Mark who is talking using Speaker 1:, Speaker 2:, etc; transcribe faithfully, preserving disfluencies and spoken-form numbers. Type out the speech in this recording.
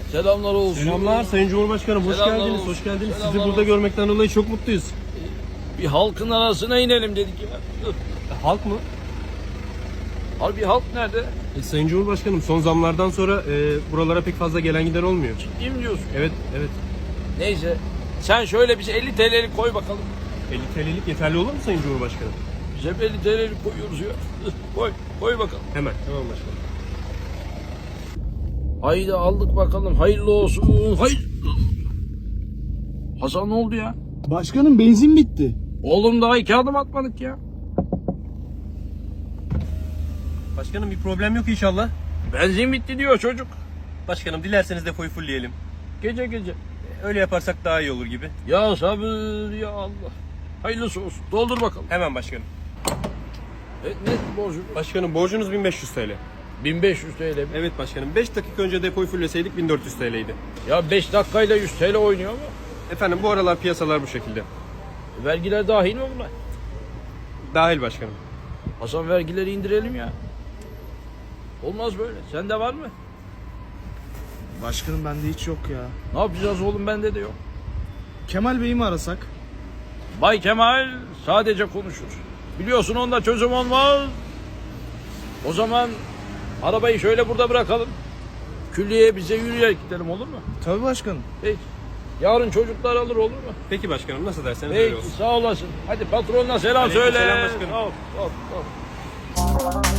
Speaker 1: Selamlar olsun.
Speaker 2: Selamlar Sayın Cumhurbaşkanım, hoş
Speaker 1: Selamlar
Speaker 2: geldiniz,
Speaker 1: olsun.
Speaker 2: hoş geldiniz.
Speaker 1: Selamlar
Speaker 2: Sizi burada
Speaker 1: olsun.
Speaker 2: görmekten dolayı çok mutluyuz.
Speaker 1: Bir halkın arasına inelim dedik ya.
Speaker 2: E, halk mı?
Speaker 1: Harbi halk nerede?
Speaker 2: E, Sayın Cumhurbaşkanım, son zamlardan sonra e, buralara pek fazla gelen giden olmuyor.
Speaker 1: Ciddi mi diyorsun?
Speaker 2: Evet, evet.
Speaker 1: Neyse. Sen şöyle bize elli T L'lik koy bakalım.
Speaker 2: elli T L'lik yeterli olur mu Sayın Cumhurbaşkanım?
Speaker 1: Biz hep elli T L'lik koyuyoruz ya. Koy, koy bakalım.
Speaker 2: Hemen, tamam başkanım.
Speaker 1: Haydi aldık bakalım. Hayırlı olsun. Hayır. Hasan ne oldu ya?
Speaker 3: Başkanım benzin bitti.
Speaker 1: Oğlum daha iki adım atmadık ya.
Speaker 2: Başkanım bir problem yok inşallah.
Speaker 1: Benzin bitti diyor çocuk.
Speaker 2: Başkanım dilerseniz depoyu fullleyelim.
Speaker 1: Gece gece.
Speaker 2: E, öyle yaparsak daha iyi olur gibi.
Speaker 1: Ya sabır ya Allah. Hayırlısı olsun. Doldur bakalım.
Speaker 2: Hemen başkanım.
Speaker 1: E, ne borcu?
Speaker 2: Başkanım borcunuz bin beş yüz T L.
Speaker 1: bin beş yüz T L mi?
Speaker 2: Evet başkanım, beş dakika önce depoyu fulleseydik bin dört yüz T L'ydi.
Speaker 1: Ya beş dakikayla yüz T L oynuyor mu?
Speaker 2: Efendim bu aralar piyasalar bu şekilde.
Speaker 1: E, vergiler dahil mi buna?
Speaker 2: Dahil başkanım.
Speaker 1: Hasan vergileri indirelim ya. Olmaz böyle. Sende var mı?
Speaker 3: Başkanım bende hiç yok ya.
Speaker 1: Ne yapacağız oğlum, bende de yok.
Speaker 3: Kemal Bey'i mi arasak?
Speaker 1: Bay Kemal sadece konuşur. Biliyorsun onda çözüm olmaz. O zaman arabayı şöyle burada bırakalım. Külliyeye bize yürüyerek gidelim, olur mu?
Speaker 3: Tabii başkanım.
Speaker 1: Peki. Yarın çocuklar alır, olur mu?
Speaker 2: Peki başkanım, nasıl derseniz öyle
Speaker 1: Peki,
Speaker 2: olsun.
Speaker 1: sağ olasın. Hadi patronuna selam
Speaker 2: Aleyküm
Speaker 1: söyle.
Speaker 2: selam başkanım.
Speaker 1: Sağ ol, sağ ol, sağ ol.